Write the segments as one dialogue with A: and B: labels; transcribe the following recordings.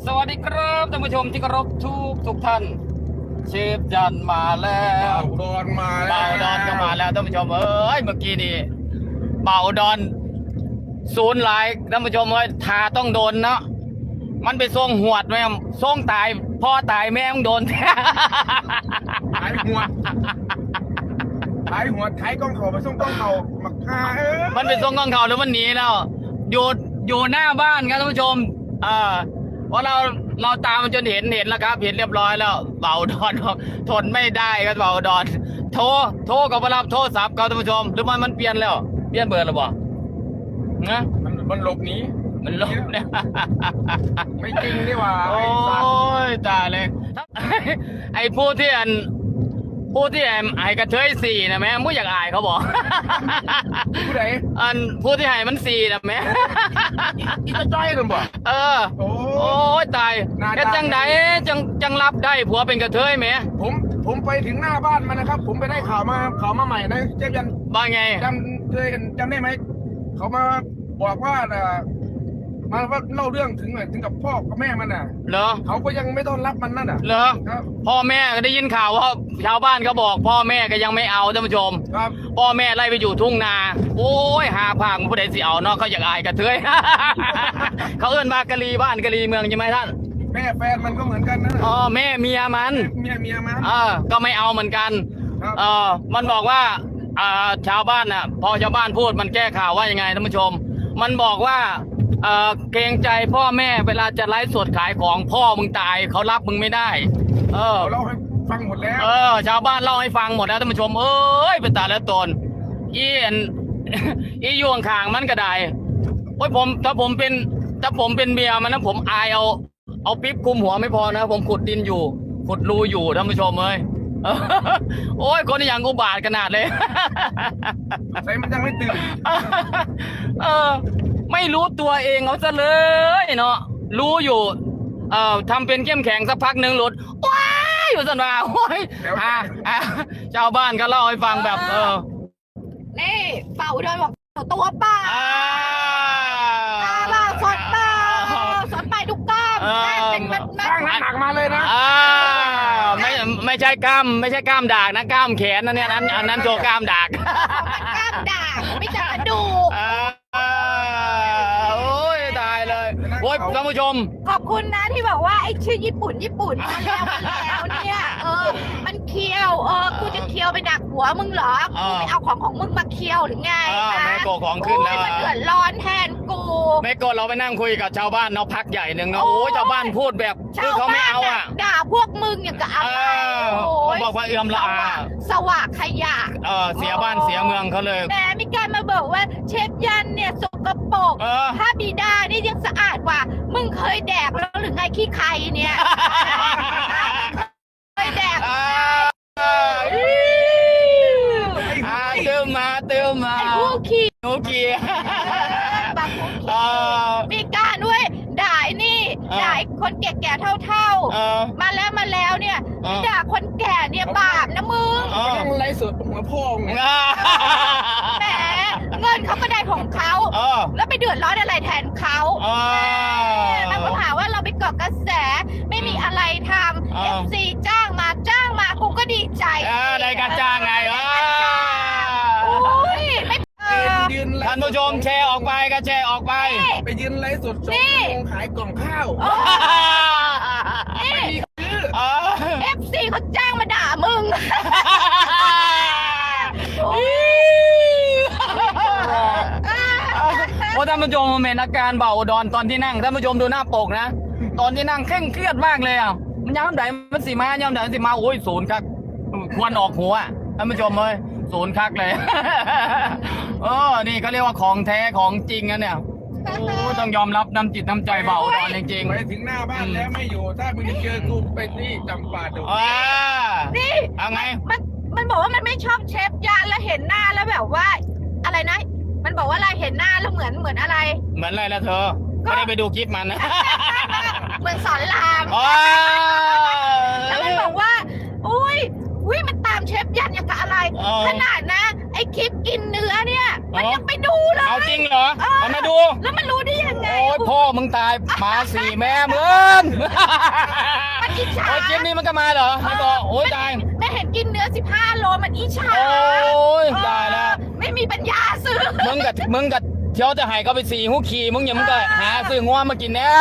A: สวัสดีครับท่านผู้ชมที่เคารพทุกท่านเชฟจันมาแล้ว
B: เบาดอนมาแล้ว
A: เบาดอนก็มาแล้วท่านผู้ชมเอ้ยเมื่อกี้นี่เบาดอนศูนย์หลายท่านผู้ชมเอ้ยทาต้องโดนเนาะมันไปส่งหวดแม่ส่งตายพ่อตายแม่งโดนแท้
B: ขายหัวขายกล้องเขาไปส่งกล้องเขามาฆ่า
A: มันไปส่งกองเขาแล้วมันหนีแล้วอยู่หน้าบ้านครับท่านผู้ชมเพราะเราตามมันจนเห็นแล้วครับเห็นเรียบร้อยแล้วเบาดอนทนไม่ได้ครับเบาดอนโทรกับมารับโทรศัพท์ครับท่านผู้ชมหรือมันเปลี่ยนแล้วเปลี่ยนเบอร์แล้วบ่นะ
B: มันหลบหนี
A: มันลบเนี่ย
B: ไม่จริงนี่หว่า
A: โอ้ยตายเลยไอ้ผู้ที่ไอ้กระเทยสี่นะแม่ไม่อยากอายเขาบอก
B: ผู้ใด
A: ผู้ที่ให้มันสี่นะแม่
B: อีกระจ้อยกันบ่
A: โอ้ยตายแกจังไหนจังรับได้ผัวเป็นกระเทยไหม
B: ผมไปถึงหน้าบ้านมันนะครับผมไปได้ข่าวมาใหม่นะเจ๊ยัน
A: บ้าไง
B: จำได้ไหมเขามาบอกว่ามาว่าเล่าเรื่องถึงกับพ่อกับแม่มันน่ะ
A: เหรอ
B: เขาก็ยังไม่ต้อนรับมันนั่นน่ะ
A: เหรอพ่อแม่ก็ได้ยินข่าวว่าชาวบ้านเขาบอกพ่อแม่ก็ยังไม่เอาท่านผู้ชม
B: ครับ
A: พ่อแม่ไล่ไปอยู่ทุ่งนาโอ้ยหาผางผู้ใดสิเอาเนาะเขาอยากอายกระเทย เขาเอื้อนมากะลีบ้านกะลีเมืองใช่ไหมท่าน
B: แม่แฟนมันก็เหมือนกันนะ
A: แม่เมียมัน
B: เมียมัน
A: ก็ไม่เอาเหมือนกันมันบอกว่าชาวบ้านน่ะพอชาวบ้านพูดมันแก้ข่าวว่ายังไงท่านผู้ชมมันบอกว่าเกรงใจพ่อแม่เวลาจะไลฟ์สดขายของพ่อมึงตายเขารับมึงไม่ได้
B: เล่าให้ฟังหมดแล้ว
A: ชาวบ้านเล่าให้ฟังหมดแล้วท่านผู้ชมเอ้ยเป็นตาแล้วตนอีอยู่ข้างมันก็ได้โอ้ยถ้าผมเป็นเมียมันนะผมอายเอาปิ๊บคุมหัวไม่พอนะผมขุดดินอยู่ขุดรูอยู่ท่านผู้ชมเอ้ยโอ้ยคนอย่างกูบาดขนาดเลย
B: ใส่มันยังไม่ตื่น
A: ไม่รู้ตัวเองเอาซะเลยเนาะรู้อยู่ทำเป็นเข้มแข็งสักพักหนึ่งหลุดว้ายอยู่สันว่าโอ้ยชาวบ้านก็เล่าให้ฟังแบบ
C: นี่เป่าเดินบอกตัวเปล่าตาสดเปล่าสดไปทุกกล้ามเป็นมัน
B: สร้างหนักมาเลยนะ
A: ไม่ใช่กล้ามดากนะกล้ามแขนนะเนี่ยอันนั้นตัวกล้ามดาก
C: กล้ามดากไม่จับกระดูก
A: โอ้ยตายเลยโอ้ยท่านผู้ชม
C: ขอบคุณนะที่บอกว่าไอ้ชื่อญี่ปุ่นมาแล้วเนี่ยมันเคี้ยวกูจะเคี้ยวไปดักหัวมึงเหรอกูไม่เอาของมึงมาเคี้ยวหรือไง
A: แม่โกของขึ้นแล้ว
C: มันเดือดร้อนแทนกู
A: แม่โกเราไปนั่งคุยกับชาวบ้านเนาะพักใหญ่หนึ่งเนาะโอ้ยชาวบ้านพูดแบบคือเขาไม่เอา
C: ด่าพวกมึงอย่างกับอะไร
A: เขาบอกว่าเอื้อมละอา
C: สว่างขยะ
A: เสียบ้านเสียเมืองเขาเลย
C: แต่มีการมาบอกว่าเชฟยันเนี่ยสกปรกถ้าบิดานี่ยังสะอาดกว่ามึงเคยแดกแล้วหรือไงขี้ไข่เนี่ยเคยแดก
A: เติมมา
C: ไอ้ผู้ขี้
A: หนูขี้
C: บางผู้ขี้มีการด้วยด่านี่ด่าคนแก่ๆเท่าๆมาแล้วเนี่ยด่าคนแก่เนี่ยบาปนะมึง
B: นั่งไล่สดหัวพ่อง
C: แหมเงินเขาก็ได้ของเขาแล้วไปเดือดร้อนอะไรแทนเขามันก็หาว่าเราไปเกาะกระแสไม่มีอะไรทำ FC จ้างมากูก็ดีใจ
A: ได้การจ้างไงท่านผู้ชมแชร์ออกไปก็แชร์ออกไป
B: ไปยืนไลฟ์สดขายกล่องข้าว
C: FC เขาจ้างมาด่ามึง
A: โอ้ท่านผู้ชมเห็นอาการเบาดอนตอนที่นั่งท่านผู้ชมดูหน้าปกนะตอนที่นั่งเคร่งเครียดมากเลยมันย้ำไหนมันสีมาย้ำไหนสีมาโอ้ยศูนย์ครับควรออกหัวท่านผู้ชมเลยศูนย์คักเลยนี่เขาเรียกว่าของแท้ของจริงนะเนี่ยต้องยอมรับน้ำจิตน้ำใจเบาดอนจริงๆ
B: ไปถึงหน้าบ้านแล้วไม่อยู่ถ้ามึงเจอกูไปนี่จำปาดง
C: นี่
A: เอาไง
C: มันบอกว่ามันไม่ชอบเชฟยานแล้วเห็นหน้าแล้วแบบว่าอะไรนะมันบอกว่าอะไรเห็นหน้าแล้วเหมือนอะไร
A: เหมือนอะไรล่ะเธอไม่ได้ไปดูคลิปมันนะ
C: เหมือนสอนรามแล้วมันบอกว่าอุ้ยมันตามเชฟยันอย่างกับอะไรขนาดนะไอคลิปกินเนื้อเนี่ยมันยังไปดูเลย
A: เอาจริงเหรอมันมาดู
C: แล้วมันรู้ได้ยังไง
A: โอ้ยพ่อมึงตายหมาสี่แม่มึง
C: มันอิจฉา
A: โอ้ยคลิปนี้มันก็มาเหรอไม่บอกโอ้ยตาย
C: แม่เห็นกินเนื้อ15 โลมันอิจฉา
A: โอ้ยตายแล้ว
C: ไม่มีปัญญาซื้อ
A: มึงกับเที่ยวจะให้เขาไปสี่หูขี่มึงอย่ามึงก็หาซื้องัวมากินเนี่ย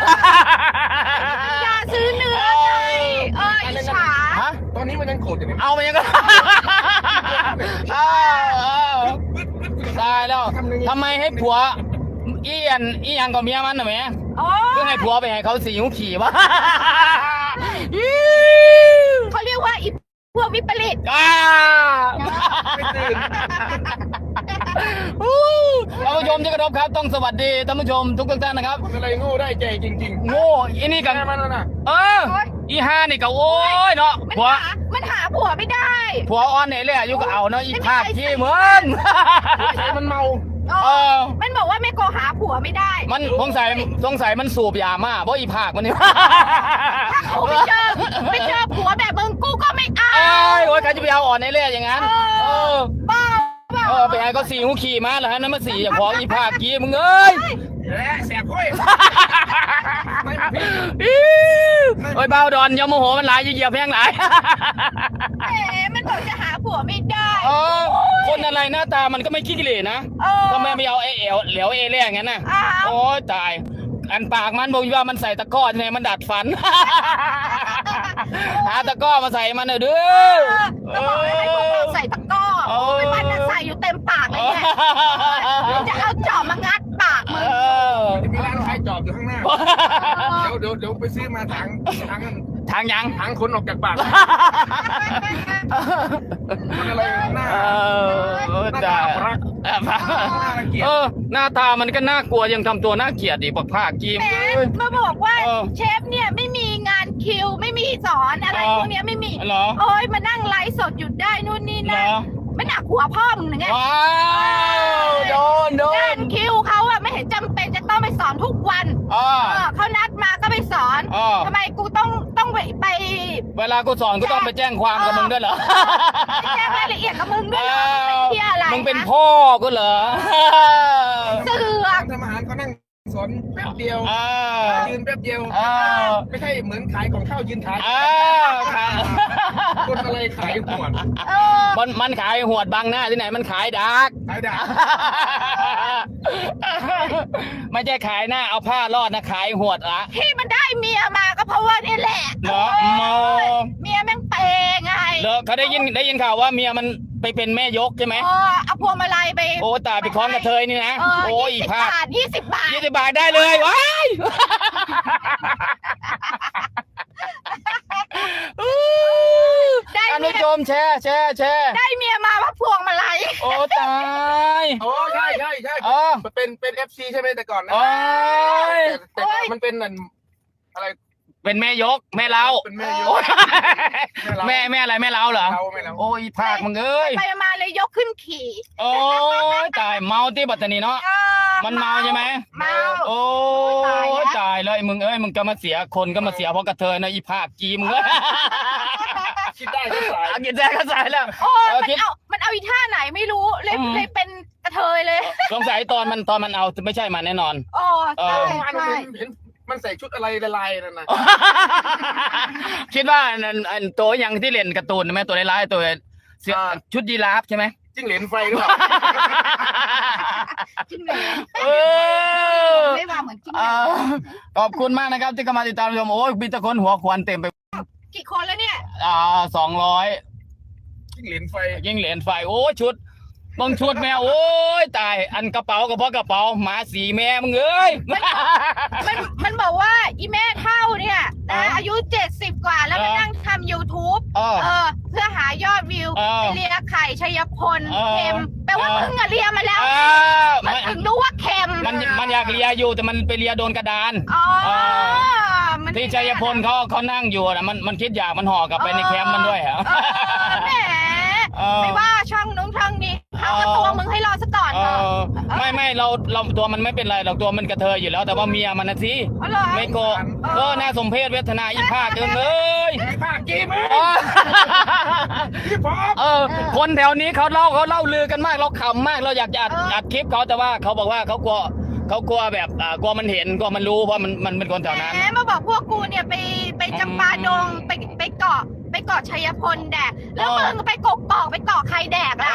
C: อย่าซื้อเนื้อไงอิจฉา
A: ฮะ
B: ตอนนี้มันยังโกรธอยู่เนี่ย
A: เอาไปยังก็ ตายแล้วทำไมให้ผัวอีอันกับเมียมันน่ะแม่
C: โอ้
A: เพื่อให้ผัวไปให้เขาสี่หูขี่วะ
C: เขาเรียกว่าอีพวกวิปริต
A: ก้า
B: ไม่ตื่น
A: ท่านผู้ชมที่เคารพครับต้องสวัสดีท่านผู้ชมทุกท่านนะครับ
B: คนอะไรโง่ได้ใจจริงๆ
A: โง่อีนี่กัน
B: แม่มันน่ะ
A: อีห้านี่ก็โอ้ยเนาะ
C: มันหาผัวไม่ได้
A: ผัวอ้อนเนี่ยเลยอายุก็เอาเนาะอีภาคขี้เหมือน
B: ใช้มันเมา
C: มันบอกว่าไม่โกหาผัวไม่ได้
A: มันสงสัยมันสูบยามาเพราะอีภาคมันนี่
C: กูไม่เจอผัวแบบมึงกูก็ไม่เอา
A: โอ้ยใครจะไปเอาอ่อนในเล่อย่างนั้น
C: บ้า
A: ไปให้เขาสี่หูขี่มาแล้วฮะนั่นมาสี่ของอีภาคกี้มึงเอ้ย
B: แสบค่อย
A: โอ้ยเบาดอนอยาโมโหมันหลายเหยียบแพงหลาย
C: แหมมันบอกจะหาผัวไม่ได้
A: คนอะไรหน้าตามันก็ไม่ขี้กิเลสนะทำไมไม่เอาเหลวเล่อย่างนั้นน่ะโอ้ยตายอันปากมันบอกว่ามันใส่ตะกร้อไงมันดัดฟัน หาตะกร้อมาใส่มันเด้อ
C: ก็บอกให้พวกเราใส่ตะกร้อไม่มันจะใส่อยู่เต็มปากเลยเนี่ยจะเอาจอบมางัดปากมึง
B: มีร้านขายจอบอยู่ข้างหน้า เดี๋ยวไปซื้อมาถัง
A: ทางยัง
B: ถังคนออกจากปากคนอะไรหน้า
A: จ้า
B: เกลียด
A: หน้าตามันก็น่ากลัวยังทำตัวน่าเกลียดอีกปักผ้ากีม
C: แหมมาบอกว่าเชฟเนี่ยไม่มีงานคิวไม่มีสอนอะไรพวกเนี้ยไม่มี
A: เหรอ
C: โอ้ยมานั่งไลฟ์สดหยุดได้นู่นนี่
A: เหร
C: นั่น
A: อ
C: ไม่หนักหัวพ่อมึงหรือไง
A: ว้าวโดน
C: งานคิวเขาอะไม่เห็นจำเป็นจะต้องไปสอนทุกวันเขานัดมาก็ไปสอนทำไมกูต้องไป
A: เวลากูสอนก็ต้องไปแจ้งความกับมึงด้วยเหรอ
C: แจ้งรายละเอียดกับมึงด้วยเหรอเที่ยอะไร
A: มึงเป็นพ่อกูเหรอ
C: เสือก
B: ทำอาหารเขานั่งสอนแป๊บเดียวยืนแป๊บเดียวไม่ใช่เหมือนขายของข้าวยืนขายคนอะไรขายหมด
A: มันขายหวดบังหน้าที่ไหนมันขายดัก
B: ขายด่า
A: ไม่ใช่ขายหน้าเอาผ้ารอดนะขายหวดละ
C: ที่มันได้เมียมาก็เพราะว่านี่แหละ
A: เหรอ
C: เมียแม่งเปย์ไง
A: เหรอเขาได้ยินข่าวว่าเมียมันไปเป็นแม่ยกใช่ไหม
C: เอาพวงมาลัยไป
A: โอ้ตายไปคล้องกระเทยนี่นะโอ้ย
C: 20
A: ภาพ
C: บาท20 บาท
A: 20 บาทได้เลยว้ายท่านผู้ชมแชร์
C: ได้เมียมาว่าพวงมาลัย
A: โอ้ตาย
B: โอ้ใช่เป็น FC ใช่ไหมแต่ก่อนนะ
A: โอ้ย
B: แต่มันเป็นอะไร
A: เป็นแม่ยกแม่เล้า
B: เป็นแม่ยก
A: โอ้ยแม่อะไรแม่เล้าเหรอ
B: ไม่เรา
A: โอ้ยภาคมึงเอ้ย
C: ไปมาเลยยกขึ้นขี่
A: โอ้ยตายเมาที่บัตตานีเนาะมันเมาใช่ไหม
C: เมา
A: โอ้ยตายเลยมึงเอ้ยมึงก็มาเสียคนก็มาเสียเพราะกระเทยนะอีภาคกีมึงเอ้ย
B: คิดได้ก็สาย
A: กินแจ๊ก็ใส่แล้ว
C: โอ้มันเอาอีท่าไหนไม่รู้เลยเป็นกระเทยเลย
A: สงสัยตอนมันเอาไม่ใช่มันแน่นอน
C: โอ้ใช่ใช่
B: เห็นมันใส่ชุดอะไรลายๆนั่นนะ
A: คิดว่าอันตัวอย่างที่เล่นการ์ตูนไหมตัวร้ายๆตัวเสื้อชุดยีราฟใช่ไหม
B: จิ้งเหลนไฟหรือเปล่า
C: จิ้งเหลน ไม่ว่าเหมือนจิ้งเหลน
A: ขอบคุณมากนะครับที่เข้ามาติดตามชมโอ้ยมีแต่คนหัวควันเต็มไป
C: กี่คนแล้วเนี่ย
A: 200
B: จิ้งเหลนไฟ
A: ยิ่งเหรียญไฟโอ้ชุดบางชุดแม่โอ้ยตายอันกระเป๋าก็เพราะกระเป๋าหมาสีแม่มึงเอ้ย
C: มันบอกว่าอีแม่เท่าเนี่ยอายุ70 กว่าแล้วมานั่งทำ YouTube เพื่อหายอดวิวเลียไข่ชัยพลเค็มแปลว่ามึงอะเลียมาแล้วมันถึงรู้ว่าเค็ม
A: มันอยากเลียอยู่แต่มันไปเลียโดนกระดานที่ชัยพลเขานั่งอยู่นะมันคิดอยากมันห่อกลับไปในแคมป์มันด้วยฮะ
C: แหมไม่ว่าช่องนู้นช่องนี้เขาก็ตัวมึงให้รอซะก่อนเถอะ
A: ไม่เราตัวมันไม่เป็นไรเราตัวมันกระเทยอยู่แล้วแต่ว่าเมียมันนะสิไม่โกก็น่าสมเพชเวทนาอีภาคเกินเลย
B: ภาคกีมั้ยพี่ป๊อป
A: คนแถวนี้เขาเล่าลือกันมากเราขำมากเราอยากจะอัดคลิปเขาแต่ว่าเขาบอกว่าเขากเขากลัวแบบกลัวมันเห็นกลัวมันรู้เพราะมันเป็นคนแถวนั้น
C: แหมมาบอกพวกกูเนี่ยไปจำปาดงไปเกาะชัยพลแดกแล้วมึงไปกกอกไปเกาะใครแดกล่ะ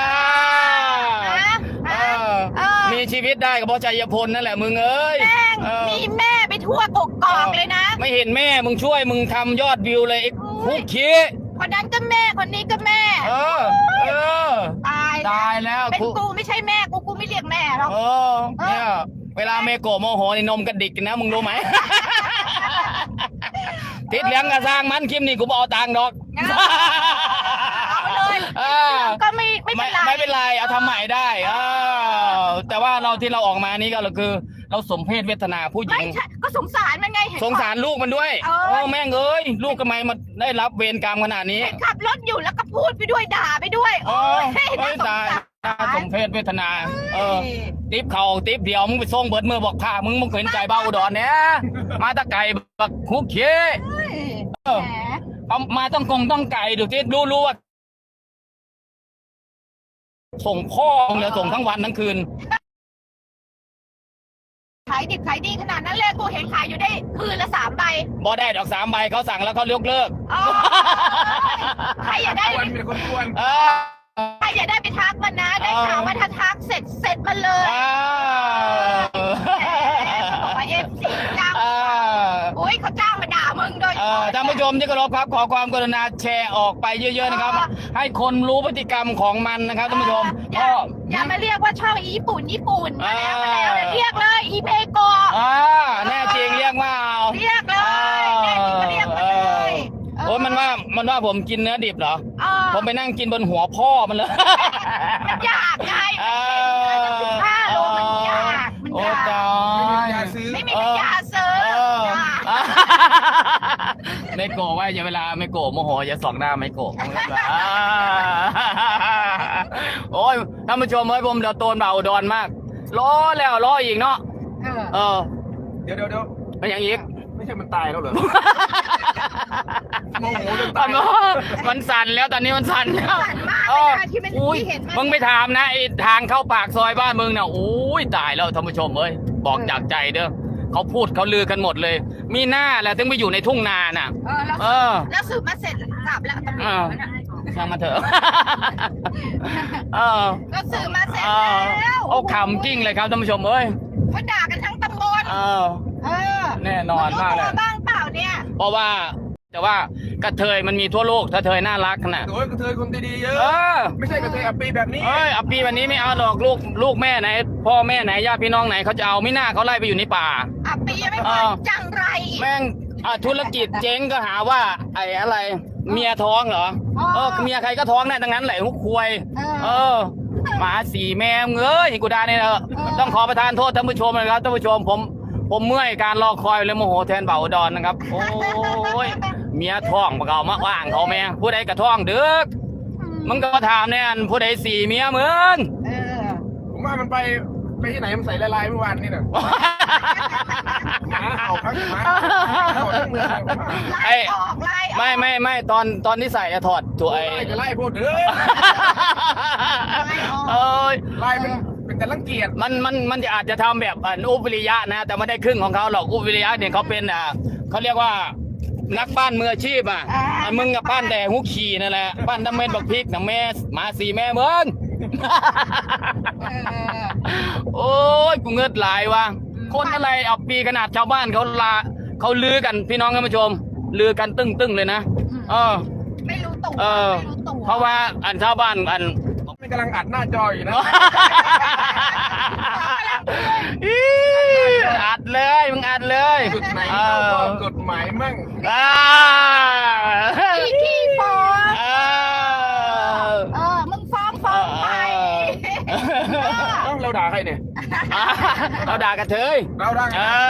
A: มีชีวิตได้ก็เพราะชัยพลนั่นแหละมึงเอ้ย
C: แม่งมีแม่ไปทั่วกกอกเลยนะ
A: ไม่เห็นแม่มึงช่วยมึงทำยอดวิวเลยไอ้คุกขี้
C: คนนั้นก็แม่คนนี้ก็แม่ตายแล้วเป็นกูไม่ใช่แม่กูไม่เรียกแม่หรอก
A: เนี่ยเวลาเมโกะโมโหนี่นมกระดิกนะมึงรู้ไหม ติดเลี้ยงกระสร้างมันคลิปนี้กูบเอาตังค์ดอก
C: เอาเลยก็ไม่
A: เป็นไรเอาทำใหม่ได้แต่ว่าเราที่เราออกมานี่ก็คือเราสมเพศเวทนาผู้หญิง
C: ก็สงสารมันไง
A: สงสารลูกมันด้วยแม่งเอ้ยลูกทำไมมาได้รับเวรกรรมขนาดนี้
C: ขับรถอยู่แล้วก็พูดไปด้วยด่าไปด้วย
A: ไม่ตายสมเพศเวทนาติ๊บเข่าติ๊บเดียวมึงไปส่งเบิดมือบอกพามึงเห็นใจเบาอุดรเนี่ยมาตะไก่บักคุกเขี้มาต้องไก่ดูที่รู้ว่าส่งพ่อเหลือส่งทั้งวันทั้งคืน
C: ขายดิบขายดีขนาดนั้นเลยกูเห็นขายอยู่ได้คืนละ3 ใบ
A: บ่ได้ดอก3 ใบเขาสั่งแล้วเขายกเลิก
C: ใครอยากได้
B: เป็นคนกวน
C: ใครอยากได้ไปทักมันนะได้ข่าวว่าถ้าทักเสร็จมันเลยบอกว่าFCจ้างโอ้ยเขาจ้างมาด่ามึงโดย
A: ท่านผู้ชมที่เคารพครับขอความกรุณาแชร์ออกไปเยอะๆนะครับให้คนรู้พฤติกรรมของมันนะครับท่านผู้ชม
C: อย่ามาเรียกว่าช่องญี่ปุ่นมาแล้วเรียกเลยอีเมโก
A: แน่จริงเรียกว่า
C: เรียกเลยแน่จริงก็เรียกเลย
A: โอ้ยมันว่าผมกินเนื้อดิบเหรอผมไปนั่งกินบนหัวพ่อมันเลย
C: มันยากไง15 โลมันยาก
A: โอ้ตาย
C: ไม่มีปัญญาซื้อ
A: ไม่โกะว่าอย่าเวลาไม่โกะโมโหอย่าส่องหน้าไม่โกะโอ้ยท่านผู้ชมเฮ้ยผมเดี๋ยวโตนเบาอุดรมากล้อแล้วล้ออีกเนาะ
B: เดี๋ยว
A: เป็นอย่างอีก
B: ไม่ใช่มันตายแล้วเหรอโมโหจนตาย
A: มันสั่นแล้วตอนนี้มันสั่นแล้วมึงไปถามนะไอ้ทางเข้าปากซอยบ้านมึงเนี่ยโอ้ยตายแล้วท่านผู้ชมเอ้ยบอกจากใจเด้อเขาพูดเขาลือกันหมดเลยมีหน้าแหละถึงไปอยู่ในทุ่งนาน่ะ
C: แล้วสืบมาเสร็จกลับแล้วตำรวจ
A: ช่างมาเถอะ
C: ก็สืบมาเสร็จ
A: แล้วโอ้ขำกิ้งเลยครับท่านผู้ชมเอ้ย
C: เขาด่ากันทั้งตำบล
A: แน่นอนมากเลย
C: บ้างเปล่าเนี่ย
A: เพราะว่ากระเทยมันมีทั่วโลกกระเทยน่ารักนะ
B: โอ้ยกระเทยคนดีๆเยอะไม่ใช่กระเทยอัปปีแบบนี้
A: อัปปีแบบนี้ไม่เอาหรอกลูกแม่ไหนพ่อแม่ไหนญาติพี่น้องไหนเขาจะเอาไม่น่าเขาไล่ไปอยู่ในป่า
C: อัปปีไม่พอจังไร
A: แม่งธุรกิจเจ๊งก็หาว่าไอ้อะไรเมียท้องเหรอเมียใครก็ท้องได้ทั้งนั้นแหละหุกควยหมา4 แม่เงยกูด่าเนี่ยต้องขอประทานโทษท่านผู้ชมนะครับท่านผู้ชมผมเมื่อยการรอคอยเลยโมโหแทนเบาอุดรนะครับโอ้ยเมียท้องมาเก่ามาว่างเขาแม่ผู้ใดกระท้องเด้อมึงก็ถามเนี่ยผู้ใด4 เมียมึง
B: ผมว่ามันไปที่ไหนมันใส่ลายเมื่อวานนี่น่ะหมาเห่าพักหมา
A: ไม่ตอนที่ใส่ถอดตัว
B: ไล่พวกเด้อไล่เป็นแต่รังเกียจ
A: มันจะอาจจะทำแบบอุบวิริยะนะแต่ไม่ได้ครึ่งของเขาหรอกอุบวิริยะเนี่ยเขาเป็นเขาเรียกว่านักปั้นมืออาชีพมึงกับปั้นแต่หุกขี่นั่นแหละปั้นน้ำเม็ดบักพริกน้ำแม่หมา4 แม่มึงโอ้ยกูเงือดไหลว่ะคนอะไรเอาปีขนาดชาวบ้านเขาลือกันพี่น้องท่านผู้ชมลือกันตึ้งเลยนะ
C: ไม่รู้ตัว
A: เพราะว่าชาวบ้าน
B: มันกำลังอัดหน้าจออยู่นะ
A: อัดเลยมึงอัดเลย
B: จุดไหนกฎหมายมั่ง
C: ขี้ฟ้องมึงฟ้องไป
B: เราด่าใครเนี่ย
A: เราด่ากระเทย
B: เราด่า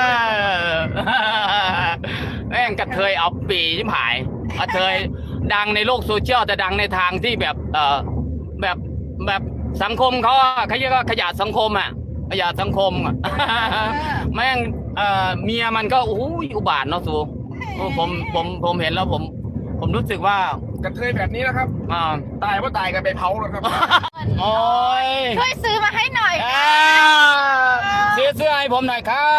A: แม่งกระเทยเอาปีชิบหายกระเทยดังในโลกโซเชียลแต่ดังในทางที่แบบสังคมเขาเรียกว่าขยะสังคมขยะสังคมแม่งเมียมันก็โอ้ยอุบาทเนาะสูผมเห็นแล้วผมรู้สึกว่า
B: กระเทยแบบนี้นะครับ
A: อ่า
B: ตายว่าตายกันไปเผาแล้วครับ
A: โอ้ย
C: ช่วยซื้อมาให้หน่อย
A: อ่าซื้อเสื้อให้ผมหน่อยครับ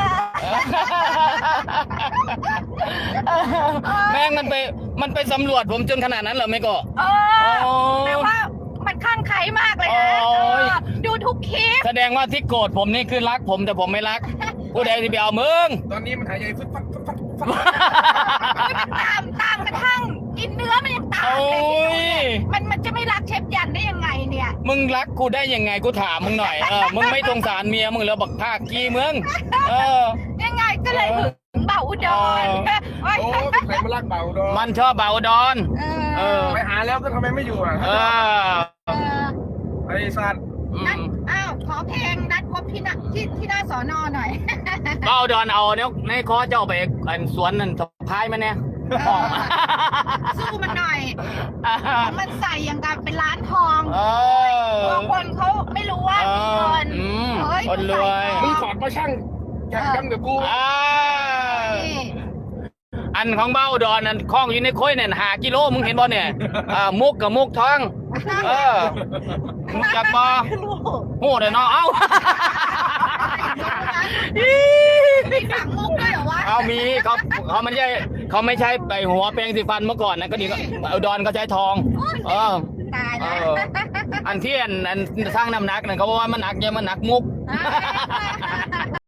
A: แม่งมันไปสำรวจผมจนขนาดนั้นเหรอไม่ก็
C: เอ
A: โอ้
C: อแต่ว่ามันข้างใครมากเลยนะ
A: โอ้ย
C: ดูทุกคลิป
A: แสดงว่าที่โกรธผมนี่คือรักผมแต่ผมไม่รัก ผู้ใดที่ไปเอามึง
B: ตอนนี้มันหายใจฟึดฟัดฟึดฟัดฟึดฟัด
C: ตามกระทั่งกินเนื้อมันยังตาม
A: โอ้
C: เลย
A: ย
C: มันจะไม่รักเชฟยันได้ยังไงเนี่ย
A: มึงรักกูได้ยังไงกูถามมึงหน่อยมึงไม่สงสารเมียมึงแล้วบักภาคกี้มึง
C: ยังไงก็เลยถึงเบาอุดร
B: โอ้ใครมาลากเบาดอ
A: มันชอบเบาดอน
C: เออ
B: ไปหาแล้วก็ทำไมไม่อยู่อ่ะ
A: เออ
C: เออ
B: ไอ้สัตว์
C: นัดอ้าวขอเพลงนัดพบที่หน้าสอนอหน่อย
A: เบาดอนเอาเนี่ยในคอเจ้าไปอันสวนนั่นสะพายมันเนี่ย
C: สู้มันหน่อยมันใส่อย่างกับเป็นร้านทอง
A: เออ
C: บางคนเขาไม่รู้ว่ามีเงิน เฮ้ย
A: คนรวย
B: มึงถอดมาช่างแข่งกันกับกู
C: นี่
A: อันของเบ้าดอนอันคล้องอยู่ในค้อยเนี่ย5 กิโลมึงเห็นบ่เนี่ยมุกกับมุกท้องมุกจากบ่โหเดี๋ยวเนาะเอ้า
C: มีฝังมุกด้วยเหรอวะ
A: เอามีเขาไม่ใช่ไปหัวแปรงสีฟันเมื่อก่อนนะก็ดีก็อุดรเขาใช้ทอง
C: ตาย
A: เอ
C: แล้ว
A: อันที่อันสร้างน้ำหนักนั่นเขาบอกว่ามันหนักเนี่ยมันหนักมุก